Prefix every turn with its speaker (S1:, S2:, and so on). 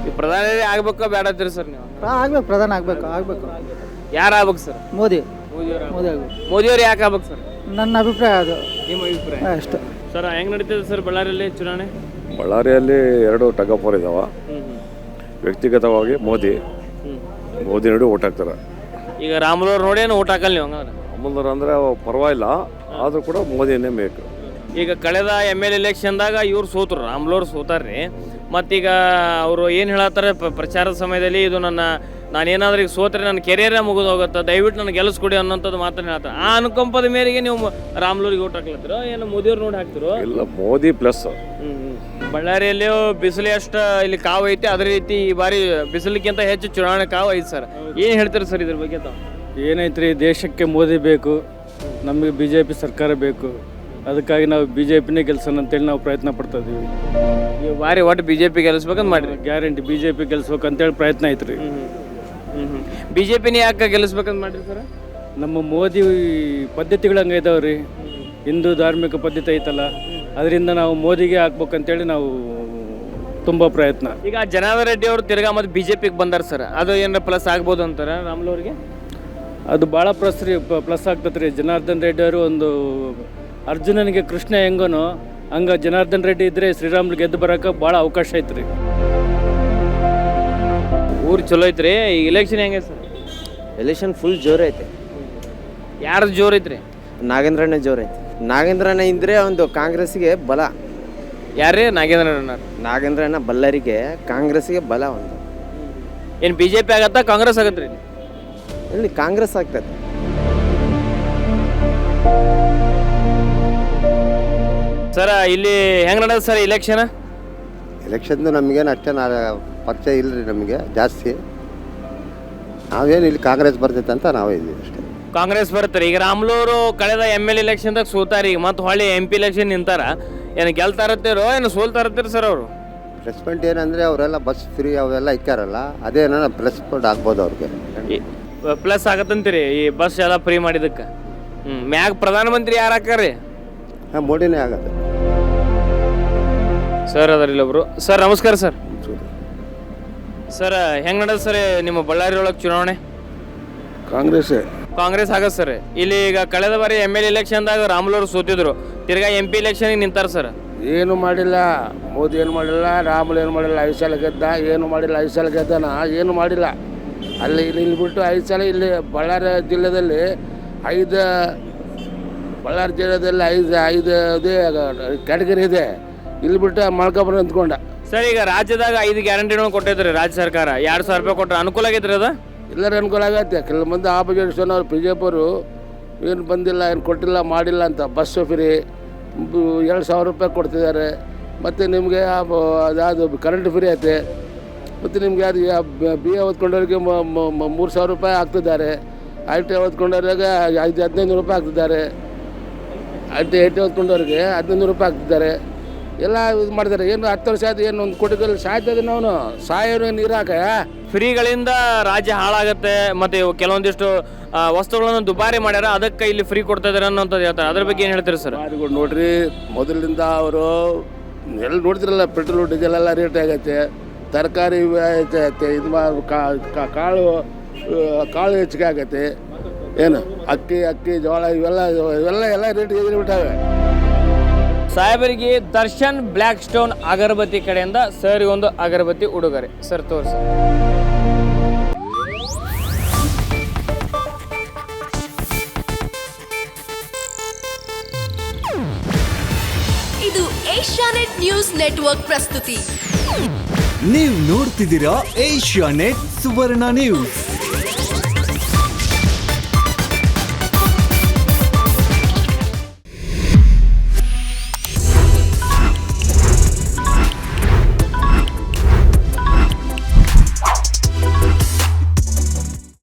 S1: ಈ ಪ್ರಧಾನಿ ಆಗ್ಬೇಕೋ ಬೇಡ ಅಂತೀರಿ ಸರ್ ನೀವು?
S2: ಆಗ್ಬೇಕು, ಪ್ರಧಾನ ಆಗ್ಬೇಕು.
S1: ಯಾರು ಆಗ್ಬೇಕು ಸರ್?
S2: ಮೋದಿ
S1: ಆಗ್ಬೇಕು. ಮೋದಿಯವ್ರು ಯಾಕೆ ಆಗ್ಬೇಕು ಸರ್?
S2: ನನ್ನ ಅಭಿಪ್ರಾಯ ಅದು.
S1: ನಿಮ್ಮ ಅಭಿಪ್ರಾಯ
S2: ಅಷ್ಟೇ
S1: ಸರ್. ಹೆಂಗ್ ನಡೀತದೆ ಸರ್ ಬಳ್ಳಾರಿಯಲ್ಲಿ ಚುನಾವಣೆ?
S3: ಬಳ್ಳಾರಿಯಲ್ಲಿ ಎರಡು ಟಗಫೋರ್ ಇದಾವ. ವ್ಯಕ್ತಿಗತವಾಗಿ ಮೋದಿ ನೋಡಿ ಓಟ್ ಹಾಕ್ತಾರೆ.
S1: ಈಗ ರಾಮುಲವ್ರು ನೋಡಿ ಏನು ಓಟ್ ಹಾಕಲ್ಲ ನೀವು ಹಂಗಾದ್ರೆ?
S3: ರಾಮುಲವ್ರು ಅಂದರೆ ಪರವಾಗಿಲ್ಲ, ಆದರೂ ಕೂಡ ಮೋದಿನೇ ಬೇಕು.
S1: ಈಗ ಕಳೆದ ML ಎಲೆಕ್ಷನ್ದಾಗ ಇವ್ರು ಸೋತರು, ರಾಮುಲವ್ರು ಸೋತಾರ್ರಿ. ಮತ್ತೀಗ ಅವರು ಏನು ಹೇಳತ್ತಾರೆ ಪ್ರಚಾರದ ಸಮಯದಲ್ಲಿ, ಇದು ನಾನೇನಾದ್ರೂ ಈಗ ಸೋತ್ರೆ ನನ್ನ ಕೆರಿಯರೇ ಮುಗಿದು ಹೋಗುತ್ತೆ, ದಯವಿಟ್ಟು ನನಗೆ ಗೆಲ್ಲಿಸ್ಕೊಡಿ ಅನ್ನೋಂಥದ್ದು ಮಾತನ್ನು ಹೇಳ್ತಾರೆ. ಆ ಅನುಕಂಪದ ಮೇರೆಗೆ ನೀವು ರಾಮುಲವ್ರಿಗೆ ಓಟ್ ಹಾಕ್ಲತ್ತಿರೋ ಏನು ಮೋದಿಯವ್ರು ನೋಡಿ ಹಾಕ್ತಿರೋ?
S3: ಇಲ್ಲ, ಮೋದಿ ಪ್ಲಸ್.
S1: ಬಳ್ಳಾರಿಯಲ್ಲಿಯೂ ಬಿಸಿಲು ಎಷ್ಟು ಇಲ್ಲಿ ಕಾವು ಐತಿ, ಅದೇ ರೀತಿ ಈ ಬಾರಿ ಬಿಸಿಲಿಗಿಂತ ಹೆಚ್ಚು ಚುನಾವಣೆ ಕಾವು ಐತಿ ಸರ್. ಏನು ಹೇಳ್ತೀರಿ ಸರ್ ಇದ್ರ ಬಗ್ಗೆ ತಾವು?
S4: ಏನೈತ್ರಿ, ದೇಶಕ್ಕೆ ಮೋದಿ ಬೇಕು, ನಮಗೆ BJP ಸರ್ಕಾರ ಬೇಕು. ಅದಕ್ಕಾಗಿ ನಾವು BJPನೇ ಗೆಲ್ಸೋಣ ಅಂತೇಳಿ ನಾವು ಪ್ರಯತ್ನ ಪಡ್ತಾ ಇದೀವಿ.
S1: ಈ ಬಾರಿ ಒಟ್ಟು BJP ಗೆಲ್ಲಿಸ್ಬೇಕಂತ ಮಾಡಿರಿ?
S4: ಗ್ಯಾರಂಟಿ BJP ಗೆಲ್ಸ್ಬೇಕು ಅಂತೇಳಿ ಪ್ರಯತ್ನ ಐತ್ರಿ.
S1: BJPನೇ ಯಾಕೆ ಗೆಲ್ಲಿಸ್ಬೇಕಂತ ಮಾಡಿರಿ ಸರ್?
S4: ನಮ್ಮ ಮೋದಿ ಪದ್ಧತಿಗಳು ಹಂಗೆ ಇದಾವ್ರಿ, ಹಿಂದೂ ಧಾರ್ಮಿಕ ಪದ್ಧತಿ ಐತಲ್ಲ, ಅದರಿಂದ ನಾವು ಮೋದಿಗೆ ಹಾಕ್ಬೇಕಂತೇಳಿ ನಾವು ತುಂಬ ಪ್ರಯತ್ನ.
S1: ಈಗ ಜನಾರ್ದನ್ ರೆಡ್ಡಿ ಅವರು ತಿರ್ಗಾ ಮತ್ತೆ BJPಗೆ ಬಂದಾರ ಸರ್, ಅದು ಏನಾರ ಪ್ಲಸ್ ಆಗ್ಬೋದು ಅಂತಾರೆ ರಾಮುಲವ್ರಿಗೆ?
S4: ಅದು ಭಾಳ ಪ್ಲಸ್ ಆಗ್ತದೆ ರೀ. ಜನಾರ್ದನ್ ರೆಡ್ಡಿ ಅವರು ಒಂದು ಅರ್ಜುನನಿಗೆ ಕೃಷ್ಣ ಹೆಂಗನೋ ಹಂಗೆ ಜನಾರ್ದನ್ ರೆಡ್ಡಿ ಇದ್ದರೆ ಶ್ರೀರಾಮ್ಲು ಗೆದ್ದು ಬರೋಕೆ ಭಾಳ ಅವಕಾಶ ಐತ್ರಿ.
S1: ಊರು ಚಲೋ ಐತ್ರಿ. ಈಗ ಎಲೆಕ್ಷನ್ ಹೆಂಗೆ ಸರ್?
S5: ಎಲೆಕ್ಷನ್ ಫುಲ್ ಜೋರು ಐತೆ.
S1: ಯಾರ್ದು ಜೋರು ಐತ್ರಿ?
S5: ನಾಗೇಂದ್ರಣ್ಣ ಜೋರು ಐತೆ. ನಾಗೇಂದ್ರಣ್ಣ ಇದ್ರೆ ಒಂದು ಕಾಂಗ್ರೆಸ್ಗೆ ಬಲ.
S1: ಯಾರೇ ನಾಗೇಂದ್ರಣ್ಣ?
S5: ನಾಗೇಂದ್ರಣ್ಣ ಬಳ್ಳಾರಿಗೆ ಕಾಂಗ್ರೆಸ್ಗೆ ಬಲ ಒಂದು.
S1: ಏನು BJP ಆಗತ್ತಾ ಕಾಂಗ್ರೆಸ್ ಆಗತ್ರಿ?
S5: ಇಲ್ಲಿ ಕಾಂಗ್ರೆಸ್ ಆಗ್ತದೆ.
S1: ಸರ್ ಇಲ್ಲಿ ಹೆಂಗೆ ನಡೆದ ಸರ್ ಎಲೆಕ್ಷನ್?
S6: ಎಲೆಕ್ಷನ್ದು ನಮಗೇನು ಅಷ್ಟೇ ಪರಿಚಯ ಇಲ್ಲ ರೀ ನಮಗೆ ಜಾಸ್ತಿ. ನಾವೇನು ಇಲ್ಲಿ ಕಾಂಗ್ರೆಸ್ ಬರ್ತೈತೆ ಅಂತ ನಾವೇ ಇದ್ದೀವಿ ಅಷ್ಟೇ.
S1: ಕಾಂಗ್ರೆಸ್ ಬರ್ತಾರೆ. ಈಗ ರಾಮುಲವ್ರು ಕಳೆದ ML ಎಲೆಕ್ಷನ್ದಾಗ ಸೋತಾರ, ಈಗ ಮತ್ತೆ ಹೊಳ್ಳಿ MP ಎಲೆಕ್ಷನ್ ನಿಂತಾರ. ಏನು ಗೆಲ್ತಾರತ್ತೀರೋ ಏನು ಸೋಲ್ತಾರತ್ತೀರಿ ಸರ್ ಅವರು?
S6: ಪ್ಲಸ್ ಪಾಯಿಂಟ್ ಏನಂದರೆ ಅವರೆಲ್ಲ ಬಸ್ ಫ್ರೀ ಅವೆಲ್ಲ ಇಕ್ಕಾರಲ್ಲ, ಅದೇನ ಪ್ಲಸ್ ಪಾಯಿಂಟ್ ಆಗ್ಬೋದು ಅವ್ರಿಗೆ.
S1: ಪ್ಲಸ್ ಆಗತ್ತಂತೀರಿ ಈ ಬಸ್ ಎಲ್ಲ ಫ್ರೀ ಮಾಡಿದಕ್ಕೆ? ಮ್ಯಾಗ ಪ್ರಧಾನಮಂತ್ರಿ ಯಾರು ಹಾಕಾರಿ?
S6: ಹಾಂ, ಮೋದಿನೇ ಆಗತ್ತೆ
S1: ಸರ್. ಅದರಲ್ಲಿ ಒಬ್ರು ಸರ್, ನಮಸ್ಕಾರ ಸರ್. ಸರ್ ಹೆಂಗೆ ನಡೆದ ಸರ್ ನಿಮ್ಮ ಬಳ್ಳಾರಿ ಒಳಗೆ ಚುನಾವಣೆ? ಕಾಂಗ್ರೆಸ್ ಆಗತ್ತೆ ಸರ್. ಇಲ್ಲಿ ಈಗ ಕಳೆದ ಬಾರಿ ML ಎಲೆಕ್ಷನ್ದಾಗ ರಾಮುಲವ್ರು ಸೋತಿದ್ರು, ತಿರ್ಗಾ MP ಎಲೆಕ್ಷನ್ಗೆ ನಿಂತಾರ ಸರ್.
S7: ಏನು ಮಾಡಿಲ್ಲ ಮೋದಿ, ಏನು ಮಾಡಿಲ್ಲ. ರಾಮುಲು ಏನು ಮಾಡಿಲ್ಲ. 5 ಸಲ ಗೆದ್ದ, ಏನು ಮಾಡಿಲ್ಲ. 5 ಸಲ ಗೆದ್ದಾನ, ಏನು ಮಾಡಿಲ್ಲ. ಅಲ್ಲಿ ಇಲ್ಲಿ ಬಿಟ್ಟು 5 ಸಲ ಇಲ್ಲಿ ಬಳ್ಳಾರಿ ಜಿಲ್ಲೆಯಲ್ಲಿ 5 ಕ್ಯಾಟಗರಿ ಇದೆ. ಇಲ್ಲಿ ಬಿಟ್ಟು ಮಳ್ಕೊಬರ ಅಂದ್ಕೊಂಡ
S1: ಸರ್. ಈಗ ರಾಜ್ಯದಾಗ 5 ಗ್ಯಾರಂಟಿಗಳನ್ನು ಕೊಟ್ಟಿದ್ರಿ ರಾಜ್ಯ ಸರ್ಕಾರ, 2,000 ರೂಪಾಯಿ ಕೊಟ್ಟರೆ ಅನುಕೂಲ ಆಗೈತ್ರಿ ಅದು?
S7: ಎಲ್ಲರೂ ಅನುಕೂಲ ಆಗತ್ತೆ. ಕೆಲವು ಮಂದಿ ಆಪೋಸಿಷನ್ ಅವ್ರು BJP ಅವರು ಏನು ಬಂದಿಲ್ಲ, ಏನು ಕೊಟ್ಟಿಲ್ಲ, ಮಾಡಿಲ್ಲ ಅಂತ. ಬಸ್ಸು ಫ್ರೀ 2,000 ರೂಪಾಯಿ ಕೊಡ್ತಿದ್ದಾರೆ. ಮತ್ತು ನಿಮಗೆ ಅದು ಕರೆಂಟ್ ಫ್ರೀ ಐತೆ. ಮತ್ತು ನಿಮಗೆ ಅದು BA ಓದ್ಕೊಂಡವ್ರಿಗೆ 3,000 ರೂಪಾಯಿ ಹಾಕ್ತಿದ್ದಾರೆ. ITI ಓದ್ಕೊಂಡವ್ರಿಗೆ 1500 ರೂಪಾಯಿ ಹಾಕ್ತಿದ್ದಾರೆ. ITI ಓದ್ಕೊಂಡವ್ರಿಗೆ 1500 ರೂಪಾಯಿ ಹಾಕ್ತಿದ್ದಾರೆ. ಎಲ್ಲ ಇದು ಮಾಡಿದ್ದಾರೆ. ಏನು 10 ವರ್ಷ ಆಯ್ತು, ಏನು 1 ಕೋಟಿ ಸಾಯ್ತದೆ. ನಾವು ಸಾಯೋರು ನೀರು ಹಾಕ
S1: ಫ್ರೀಗಳಿಂದ ರಾಜ್ಯ ಹಾಳಾಗುತ್ತೆ. ಮತ್ತು ಕೆಲವೊಂದಿಷ್ಟು ವಸ್ತುಗಳನ್ನು ದುಬಾರಿ ಮಾಡ್ಯಾರ, ಅದಕ್ಕೆ ಇಲ್ಲಿ ಫ್ರೀ ಕೊಡ್ತಾ ಇದಾರೆ ಅನ್ನೋಂಥದ್ದು ಹೇಳ್ತಾರೆ. ಅದ್ರ ಬಗ್ಗೆ ಏನು ಹೇಳ್ತೀರಿ ಸರ್?
S7: ನೋಡ್ರಿ, ಮೊದಲಿಂದ ಅವರು ಎಲ್ಲ ನೋಡ್ತಿರಲ್ಲ, ಪೆಟ್ರೋಲ್ ಡೀಸೆಲ್ ಎಲ್ಲ ರೇಟ್ ಆಗೈತೆ. ತರಕಾರಿ ಐತೆ, ಇದು ಕಾಳು ಹೆಚ್ಚಿಗೆ ಆಗೈತೆ. ಏನು ಅಕ್ಕಿ ಜೋಳ ಇವೆಲ್ಲ ರೇಟ್ ಬಿಟ್ಟಾವೆ.
S1: ಸಾಹೇಬರಿಗೆ ದರ್ಶನ್ ಬ್ಲ್ಯಾಕ್ ಸ್ಟೋನ್ ಅಗರಬತ್ತಿ ಕಡೆಯಿಂದ ಸರ್ ಒಂದು ಅಗರಬತ್ತಿ ಉಡುಗೊರೆ. ಸರ್ ತೋರಿಸಿ.
S8: ಇದು ಏಷ್ಯಾನೆಟ್ ನ್ಯೂಸ್ ನೆಟ್ವರ್ಕ್ ಪ್ರಸ್ತುತಿ.
S9: ನೀವು ನೋಡ್ತಿದ್ದೀರಾ ಏಷ್ಯಾನೆಟ್ ಸುವರ್ಣ ನ್ಯೂಸ್.